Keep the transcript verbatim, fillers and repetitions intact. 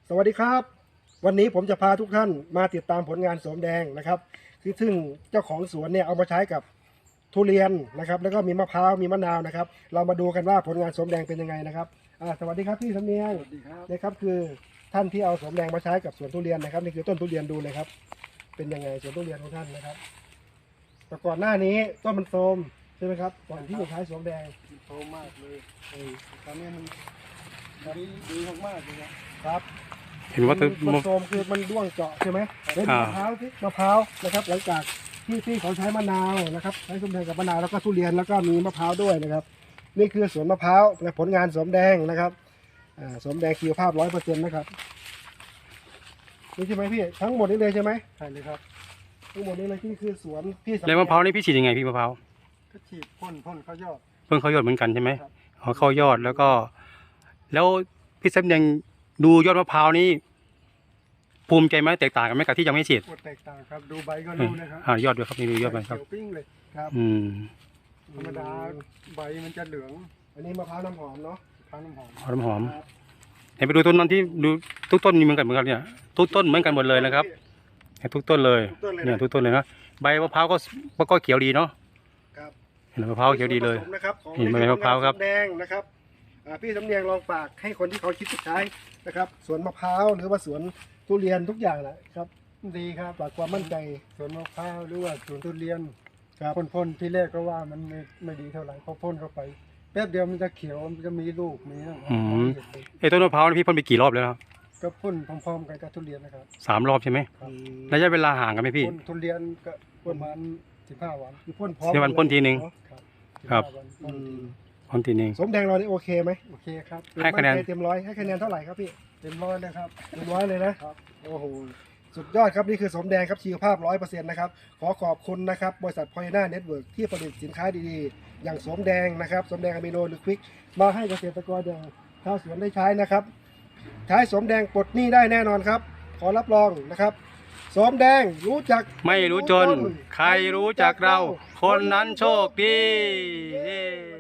สวัสดีครับวันนี้ผมจะพาทุกท่านมาติดตามผลงานสวมแดงนะครับคือซึ่งเจ้าของสวนเนี่ยเอามาใช้กับทุเรียนนะครับแล้วก็มีมะพร้าวมีมะนาวนะครับเรามาดูกันว่าผลงานสวมแดงเป็นยังไงนะครับอ่าสวัสดีครับพี่สำเนียงสวัสดีครับนะครับคือท่านที่เอาสวมแดงมาใช้กับสวนทุเรียนนะครับนี่คือต้นทุเรียนดูเลยครับเป็นยังไงสวนทุเรียนของท่านนะครับแต่ก่อนหน้านี้ต้นมันโทรมใช่ไหมครับก่อนที่จะใช้สวมแดงโตมากเลยเออตอนนี้มันดีดีมากๆเลยนะครับเห็นว่ามัต้นนมันโทรมคือมันร่วงเจาะใช่ไหมแล้วอ่ามะพร้าวที่มะพร้าวนะครับ หลังจากที่ที่เขาใช้มะนาวนะครับใช้สวมแดงกับมะนาวแล้วก็ทุเรียนแล้วก็มีมะพร้าวด้วยนะครับ นี่คือสวนมะพร้าวและผลงานสวมแดงนะครับอ่าสวมแดงคีวภาพร้อยเปอร์เซ็นต์นะครับนี่ใช่ไหมพี่ทั้งหมดนี้เลยใช่ไหมใช่เลยครับทั้งหมดนี้เลยที่คือสวนพี่สำแล้วมะพร้าวนี่พี่ฉีดยังไงพี่มะพร้าวก็ฉีดพ่นพ่นเขายอดเพิ่งเขายอดเหมือนกันใช่ไหมครับอ๋อเข้ายอดแล้วก็ แล้วพี่สำเนียงดูยอดมะพร้าวนี่ภูมิใจไหมแตกต่างกันไหมกับที่ยังไม่ฉีดปวดแตกต่างครับดูใบก็รู้นะครับอ่ายอดด้วยครับนี่ดูยอดไปครับเขียวปิ้งเลยครับอืมธรรมดาใบมันจะเหลืองอันนี้มะพร้าวน้ำหอมเนาะทานน้ำหอมหอมหอมครับเห็นไปดูต้นนั้นที่ดูทุกต้นมีเหมือนกันเหมือนกันเนี่ยทุกต้นเหมือนกันหมดเลยนะครับเห็นทุกต้นเลยทุกต้นเลยเนี่ยนะทุกต้นเลยนะใบมะพร้าวก็ก็เขียวดีเนาะครับเห็นมะพร้าวเขียวดีเลยส่วนผสมนะครับของเห็นไหมมะพร้าวครับแดงนะครับอ่าพี่สำเนียงลองฝากให้คนที่เขาคิดจะใช้นะครับสวนมะพร้าวหรือว่าสวนทุเรียนทุกอย่างแหละครับดีครับฝากความมั่นใจสวนมะพร้าวหรือว่าสวนทุเรียนครับพ่นพ่นที่แรกก็ว่ามันไม่ไม่ดีเท่าไหร่พอพ่นเข้าไปแป๊บเดียวมันจะเขียวมันจะมีลูกมีนะอืมไอ้ต้นมะพร้าวนี่พี่พ่นไปกี่รอบแล้วครับก็พ่นพร้อมๆกันกับทุเรียนนะครับสามรอบใช่ไหมอืมระยะเวลาห่างกันไหมพี่พ่นทุเรียนก็ประมาณสิบห้าวันคือพ่นพร้อมเดี๋ยววันพ่นทีหนึ่งเอะครับครับสิห้าวันอืพ่นมพ่นทีหนึงสมแดงเรานี่โอเคไหมโอเคครับให้คะแนนมั่ใจเต็มร้อยให้คะแนนเท่าไหร่ครับพี่เต็มร้อยเลยครับเต็มร้อยเลยนะครับ โอ้โหสุดยอดครับนี่คือสมแดงครับชีวภาพร้อยเปอร์เซ็นต์นะครับขอขอบคุณนะครับบริษัทพอยน่าเน็ตเวิร์กที่ผลิตสินค้าดีๆ อย่างสมแดงนะครับสมแดงอะมิโนหรือควิกมาให้เกษตรกรอย่างชาวสวนได้ใช้นะครับ ใช้สมแดงปลดหนี้ได้แน่นอนครับ ขอรับรองนะครับสมแดงรู้จักไม่รู้จน ใครรู้จักเรา คนนั้นโชคดี